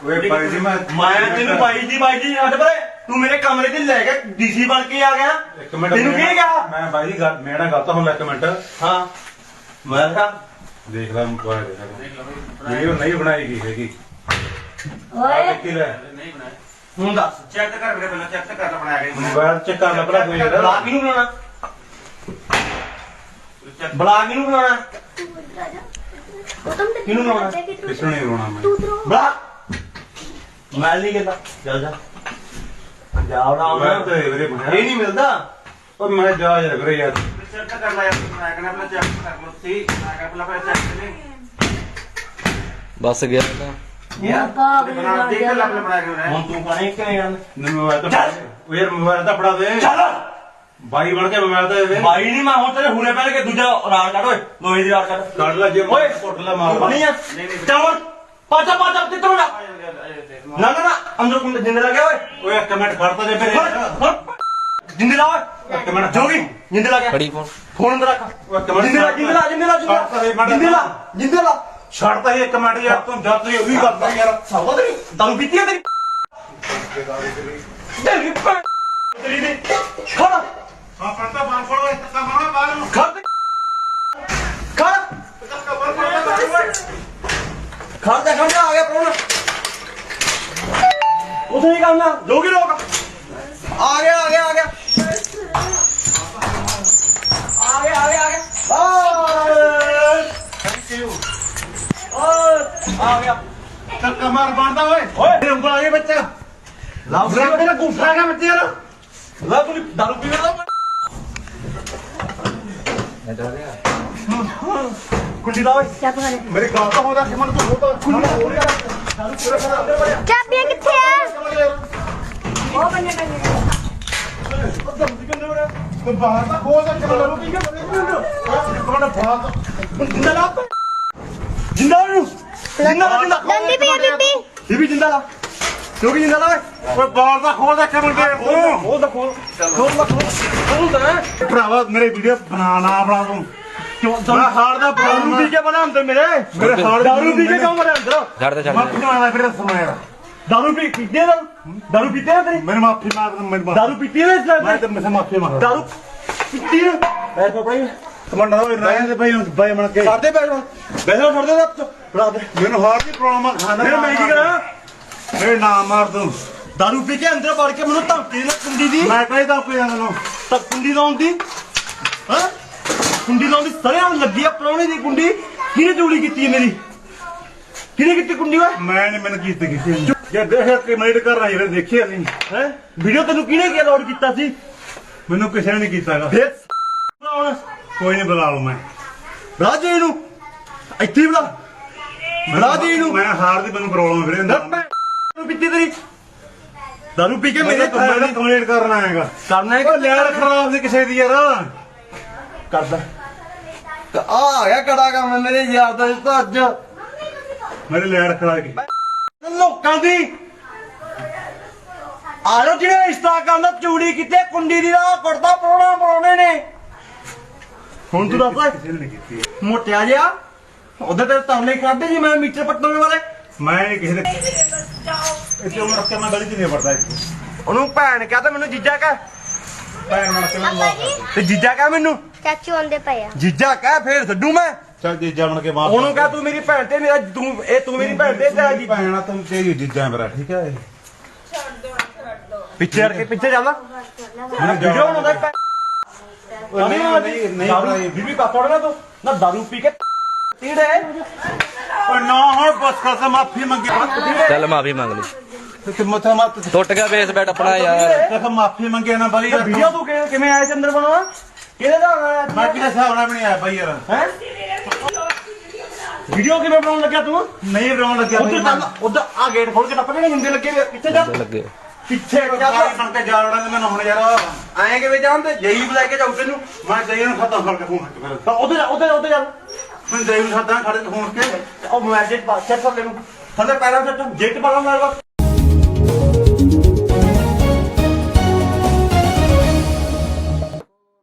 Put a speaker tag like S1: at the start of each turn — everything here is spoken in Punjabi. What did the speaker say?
S1: ਓਏ ਬਾਈ ਜੀ ਮੈਂ
S2: ਤੈਨੂੰ ਬਾਈ ਜੀ ਛੱਡ ਪਰੇ। ਤੂੰ ਮੇਰੇ ਕਮਰੇ 'ਚ ਲੈ ਕੇ ਡੀਸੀ ਬਣ ਕੇ ਆ ਗਿਆ।
S1: ਇੱਕ ਮਿੰਟ
S2: ਤੈਨੂੰ ਕੀ ਕਿਹਾ?
S1: ਮੈਂ ਬਾਈ ਜੀ ਮੇਰਾ ਗਲਤ ਹੁੰਦਾ ਇੱਕ ਮਿੰਟ।
S2: ਹਾਂ ਮੈਂ ਕਿਹਾ
S1: ਦੇਖ ਲੈ ਮੋਬਾਈਲ ਦੇਖ ਵੀਡੀਓ ਨਹੀਂ ਬਣਾਈ ਗਈ ਹੈਗੀ।
S3: ਓਏ
S1: ਕੀ ਲੈ
S2: ਹੁਣ ਦੱਸ ਚੈੱਕ ਕਰ ਮੇਰੇ ਪਹਿਲਾਂ ਚੈੱਕ ਕਰ ਲੈ ਬਣਾਇਆ ਗਿਆ
S1: ਮੋਬਾਈਲ ਚ ਕਰ ਲੱਭਣਾ ਕੋਈ ਯਾਰ।
S2: ਬਲਾ ਕਿਹਨੂੰ ਬਣਾਉਣਾ? ਬਲਾ ਕਿਹਨੂੰ ਬਣਾਉਣਾ? ਕਿਹਨੂੰ ਬਣਾਉਣਾ?
S1: ਕਿਸ ਨੂੰ ਨਹੀਂ ਰੋਣਾ ਮੈਂ।
S2: ਬਲਾ ਮੈਂ ਨਹੀਂ ਕਹਿੰਦਾ ਚੱਲ ਜਾ ਜਾਵੜਾ
S1: ਮੈਂ ਤਾਂ ਵੀਰੇ ਬਣਾਇਆ
S2: ਇਹ ਨਹੀਂ ਮਿਲਦਾ।
S1: ਓ ਮੈਂ ਜਾ ਯਾਰ ਵੀਰੇ ਯਾਰ।
S2: ਚੈੱਕ ਕਰ ਲੈ ਯਾਰ ਮੈਂ ਕਹਿੰਦਾ ਪਹਿਲਾਂ ਚੈੱਕ ਕਰ ਲੋ ਸੀ ਮੈਂ ਕਹਿੰਦਾ ਪਹਿਲਾਂ ਚੈੱਕ ਕਰ ਲੈ
S4: ਬਸ ਗਿਆ ਤਾਂ
S2: ਯਾਰ
S3: ਬਣਾ
S2: ਦੇਖ ਲੈ ਪਹਿਲਾਂ ਬਣਾ ਕੇ ਹੁਣ ਤੂੰ ਕਹੇ ਕਿਵੇਂ ਜਾਣ
S1: ਮੋਬਾਈਲ ਤਾਂ ਓ ਯਾਰ ਮੋਬਾਈਲ ਤਾਂ ਫੜਾ ਦੇ।
S2: ਚੱਲ
S1: ਬਾਈ ਬਣ ਕੇ ਮੋਬਾਈਲ ਤਾਂ ਦੇ ਦੇ।
S2: ਬਾਈ ਨਹੀਂ ਮੈਂ ਹੁਣ ਤੇਰੇ ਹੁਣੇ ਪਹਿਲ ਕੇ ਦੂਜਾ ਰਾੜ ਕੱਢ ਓਏ ਲੋਹੇ ਦੀ ਰਾੜ ਕੱਢ
S1: ਕੱਢ ਲੈ ਜੇ
S2: ਓਏ
S1: ਕੁੱਟ ਲੈ ਮਾਰ
S2: ਨਹੀਂ ਆ ਚਾਵਲ ਪਾਚਾ ਕਿੱਥੋਂ ਨਾ ਨਾ ਅੰਦਰ ਕੁੰਡ ਜਿੰਦੇ ਲੱਗਿਆ ਓਏ
S1: ਓਏ ਇੱਕ ਮਿੰਟ ਖੜਤਾ ਜੇ ਫਿਰ
S2: ਜਿੰਦੇ ਲਾ ਓਏ
S1: ਇੱਕ ਮਿੰਟ
S2: ਜੋਗੀ ਜਿੰਦੇ ਲਾ ਗਿਆ
S4: ਫੜੀ ਫੋਨ
S2: ਫੋਨ ਅੰਦਰ ਰੱਖ ਜਿੰਦੇ ਲਾ
S1: ਛੱਡਤਾ ਸੀ ਇੱਕ ਮਿੰਟ ਯਾਰ ਤੂੰ ਜਦ ਤੂੰ ਉਹੀ ਕਰਦਾ ਯਾਰ।
S2: ਸਾਵਾ ਤੇਰੀ ਦਾਰੂ ਪੀਤੀ ਹੈ ਤੇਰੀ ਭੈਣ ਤੇਰੀ ਦੀ ਖੜਾ
S1: ਹਾਂ ਪੜਤਾ ਬਾਹਰ ਫੜੋ ਇਸ ਤੱਕ ਮਾਰੋ ਬਾਹਰ ਨੂੰ
S2: ਖੜ ਖੜ ਆ ਗਿਆ ਪ੍ਰੋਣ ਉਥੇ ਹੀ ਕਰਨਾ ਜੋਗੀ ਰੋਕ ਆ ਗਿਆ ਆ ਗਿਆ
S1: ਧੱਕਾ ਮਾਰ ਬਣਦਾ ਓਏ
S2: ਓਏ
S1: ਉਂਗਲ ਆ ਗਈ ਬੱਚਾ
S2: ਲਾਉ ਤੇਰਾ ਗੁੱਸਾ ਹੈਗਾ ਬੱਚੇ ਯਾਰ ਲਾ ਤੂੰ ਦਾਰੂ ਪੀ ਰਿਹਾ ਕੁੰਡੀ ਲਾ ਓਏ
S3: ਚੱਪ ਕਰ
S1: ਮੇਰੇ ਗਾਲ ਤਾਂ ਹੋਦਾ ਕਿ ਮਨ ਤੂੰ ਹੋਦਾ
S3: ਚਾਬੀਆਂ ਕਿੱਥੇ ਆ ਉਹ ਬੰਨੇ
S1: ਤੂੰ ਬਾਹਰ ਤਾਂ ਖੋਲ ਦੇ ਕਿਵੇਂ ਲੱਗੂ ਕੀ ਕੋਣ ਬਾਹਰ
S2: ਜਿੰਦਾ ਲਾ ਜਿੰਦਾ ਨੂੰ
S3: ਦੰਦੀ ਪਈ ਆ ਬੀਬੀ
S2: ਇਹ ਵੀ ਜਿੰਦਾ ਲਾ ਕਿਉਂਕਿ ਜਿੰਦਾ ਲਾ
S1: ਓਏ ਬਾਹਰ ਦਾ ਖੋਲ ਦੇ ਕਿਵੇਂ ਤੂੰ
S2: ਖੋਲ ਦਾ ਖੋਲ ਦਾ
S1: ਭਰਾਵਾ ਮੇਰੇ ਵੀਡੀਓ ਬਣਾ ਤੂੰ
S2: ਕਿਉਂ
S1: ਮੈਂ ਹਾਰ ਦਾ
S2: ਦਾਰੂ ਪੀ ਕੇ ਬਣਾ ਅੰਦਰ ਮੇਰੇ
S1: ਹਾਰ
S2: ਦਾਰੂ ਪੀ ਕੇ ਕਿਉਂ ਮਰੇ ਅੰਦਰ
S4: ਛੱਡ ਦੇ
S1: ਮੈਂ ਕਿਉਂ ਫਿਰ ਸਮਾਇਆ
S2: ਦਾਰੂ ਪੀਤੇ ਨਾ ਦਾਰੂ ਪੀਤੇ ਨਾ ਤੇਰੀ
S1: ਮੇਰੇ ਮਾਫੀ ਮੰਗ ਮੇਰੇ
S2: ਦਾਰੂ ਪੀਤੀ ਹੈ ਇਸ
S1: ਮੈਂ ਤੇ ਮੈਂ ਮਾਫੀ ਮੰਗਦਾ
S2: ਦਾਰੂ ਪੀਤੀ ਹੈ ਐ ਪਪੜੀ
S1: ਕਮੰਡਾ ਓਏ ਰਹਿਣ ਦੇ ਬਾਈ ਬਣ ਕੇ
S2: ਕਰਦੇ ਬੈਠੋ ਬੈਠੋ ਛੱਡ ਦੇ ਫੜਾ ਦੇ
S1: ਮੈਨੂੰ ਹਾਰ ਦੀ ਪ੍ਰੋਬਲਮ ਆ ਖਾਣਾ
S2: ਫਿਰ ਮੈਂ ਕੀ ਕਰਾਂ
S1: ਮੇਰੇ ਨਾਮ ਮਾਰ ਦੂੰ
S2: ਦਾਰੂ ਪੀ ਕੇ ਅੰਦਰ ਵੜ ਕੇ ਮੈਨੂੰ ਧਮਕੀ ਨਾ ਕੁੰਡੀ ਦੀ
S1: ਮੈਂ ਕਹਿੰਦਾ ਕੋਈ ਨਾ ਨੂੰ
S2: ਤਾਂ ਕੁੰਡੀ ਲਾਉਣ ਦੀ ਹਾਂ ਕੁੰਡੀ ਲਾਉਣ ਦੀ ਸਰਿਆਂ ਲੱਗੀ ਆ ਪ੍ਰਾਹੁਣੇ ਦੀ ਕੁੰਡੀ ਕਿਹਨੇ ਚੋਰੀ ਕੀਤੀ ਹੈ ਮੇਰੀ ਕਿਹਨੇ ਕੀਤੀ ਕੁੰਡੀ ਓਏ
S1: ਮੈਂ ਨਹੀਂ ਮੈਨੂੰ ਕੀਤੀ ਜੇ ਦੇਖਿਆ ਕਿ ਮੈਡ ਕਰ ਰਹਾ ਯਾਰ ਦੇਖਿਆ ਨਹੀਂ
S2: ਹੈ ਵੀਡੀਓ ਤੈਨੂੰ ਕਿਹਨੇ ਕੀ ਅਲਾਉਡ ਕੀਤਾ ਸੀ
S1: ਮੈਨੂੰ ਕਿਸੇ ਨੇ ਨਹੀਂ ਕੀਤਾਗਾ
S2: ਫਿਰ ਹੁਣ
S1: ਕੋਈ ਨਹੀਂ ਬੁਲਾ ਲੂ ਮੈਂ
S2: ਰਾਜੇ ਨੂੰ ਇੱਥੇ ਹੀ ਬੁਲਾ ਬੁਲਾ ਦੇ ਇਹਨੂੰ
S1: ਮੈਂ ਹਾਰ ਦੀ ਮੈਨੂੰ ਪ੍ਰੋਬਲਮ ਵੀਰੇ
S2: ਦਾਰੂ ਪੀਤੀ ਤੇਰੀ ਦਾਰੂ ਪੀ ਕੇ ਮੇਰੇ
S1: ਮੈਂ ਕੰਪਲੀਟ ਕਰਨਾ ਹੈਗਾ
S2: ਕਰਨਾ ਹੈ
S1: ਉਹ ਲੈਣ ਖਰਾਬ ਦੀ ਕਿਸੇ ਦੀ ਯਾਰ
S2: ਕਰਦਾ ਆ ਗਿਆ ਕੜਾ ਕੰਮ ਮੇਰੇ ਯਾਰ ਦਾ ਤਾਂ ਅੱਜ
S1: ਮੇਰੇ ਲੈਣ ਖਰਾਬ ਕੀ
S2: ਲੋਕਾਂ ਦੀ ਆਲੋ ਜਿਹੜੇ ਰਿਸ਼ਤਾ ਕਰਨਾ ਚੂੜੀ ਕਿਤੇ ਕੁੰਡੀ ਦੀ ਦਾ ਕੁੜਤਾ ਪਰੋਣੇ ਨੇ ਹੁਣ ਤੂੰ ਦੱਸ
S1: ਕਿਸੇ ਨੇ ਨਹੀਂ ਕੀਤੀ
S2: ਮੋਟਿਆ ਜਿਹਾ ਉਹਦੇ ਤੇ ਤਾਲੇ ਕੱਢਦੇ ਜੀ ਮੈਂ ਮੀਟਰ ਪੱਟਣ ਵਾਲੇ
S1: ਮੈਂ ਨਹੀਂ ਕਿਸੇ ਦੇ ਇੱਥੇ ਉਮਰ ਰੱਖ ਕੇ ਮੈਂ ਗਲੀ 'ਚ ਨਹੀਂ ਵੜਦਾ ਇੱਥੇ
S2: ਉਹਨੂੰ ਭੈਣ ਕਹਤਾ ਮੈਨੂੰ ਜੀਜਾ ਕਹਿ
S1: ਭੈਣ ਨਾਲ ਕੇ ਮੈਂ
S2: ਤੇ ਜੀਜਾ ਕਹਿ ਮੈਨੂੰ
S3: ਚਾਚੂ ਆਂਦੇ ਪਏ ਆ
S2: ਜੀਜਾ ਕਹਿ ਫੇਰ ਛੱਡੂ ਮੈਂ
S1: ਚੱਲ ਜੀਜਾ ਬਣ ਕੇ ਮਾਰ
S2: ਉਹਨੂੰ ਕਹਿ ਤੂੰ ਮੇਰੀ ਭੈਣ ਤੇ ਮੇਰਾ ਤੂੰ ਮੇਰੀ ਭੈਣ ਤੇ ਤੇਰਾ ਜੀ
S1: ਭੈਣਾ ਤੂੰ ਤੇਰੀ ਜੀਜਾ ਮੇਰਾ ਠੀਕ ਹੈ
S2: ਪਿੱਛੇ ਹਟ ਕੇ ਪਿੱਛੇ ਜਾਂਦਾ ਵੀਡੀਓ ਬਣਾਉਂਦਾ
S1: ਨਹੀਂ
S2: ਬੀਬੀ ਪਾਪੜ ਨਾ ਤੂੰ ਨਾ ਦਾਰੂ ਪੀ ਕੇ ਤੀੜੇ
S1: ਓਏ ਨਾ ਹੁਣ ਬਸ ਕਰ ਮਾਫੀ ਮੰਗੀ
S4: ਚੱਲ ਮਾਫੀ ਮੰਗ ਲਈ
S1: ਤੇ ਮੱਥਾ ਮੱਤ
S4: ਟੁੱਟ ਗਿਆ ਬੇਸ ਬੈਟ ਆਪਣਾ ਯਾਰ
S1: ਤੇ ਮਾਫੀ ਮੰਗੇ ਨਾ ਬਾਈ
S2: ਵੀਡੀਓ ਤੂੰ ਕਿਵੇਂ ਆਇਆ ਚੰਦਰ ਬਣਵਾ ਕਿਹਦੇ ਦਾ ਆਇਆ
S1: ਮੈਂ ਕਿਹਦੇ ਹਿਸਾਬ ਨਾਲ ਬਣਾਇਆ ਬਾਈ ਯਾਰ
S2: ਹੈ ਵੀਡੀਓ ਕਿਵੇਂ ਬਣਾਉਣ ਲੱਗਿਆ ਤੂੰ
S1: ਨਹੀਂ ਬਣਾਉਣ ਲੱਗਿਆ
S2: ਉਧਰ ਚੱਲ ਉਧਰ ਆ ਗੇਟ ਖੋਲ ਕੇ ਟੱਪ ਕੇ ਜਿੰਦੇ ਲੱਗੇ ਵੇ, ਪਿੱਛੇ ਜਾ
S4: ਲੱਗੇ
S2: ਪਿੱਛੇ ਜਾ
S1: ਬਣ ਕੇ ਜਾ ਵੜਾਂ ਮੈਨੂੰ ਹੁਣ ਯਾਰ
S2: ਆਏ ਕਿਵੇਂ ਜਾਂਦੇ ਜਈ ਲੈ ਕੇ ਜਾਉ ਤੈਨੂੰ
S1: ਮੈਂ ਜਈ ਨੂੰ ਖਤਮ ਕਰਕੇ ਫੋਨ ਕਰ
S2: ਤਾਂ ਉਧਰ ਜਾ
S1: ਮੈਂ ਜਈ ਨੂੰ ਖਤਮ ਖੜੇ ਫੋਨ ਕੇ
S2: ਉਹ ਮੈਜਿਕ ਬਾਦਸ਼ਾਹ ਥੱਲੇ ਨੂੰ ਥੱਲੇ ਪੈਰਾਂ ਤੇ ਜੇਟ ਪਾਲਾ ਮਾਰਵਾ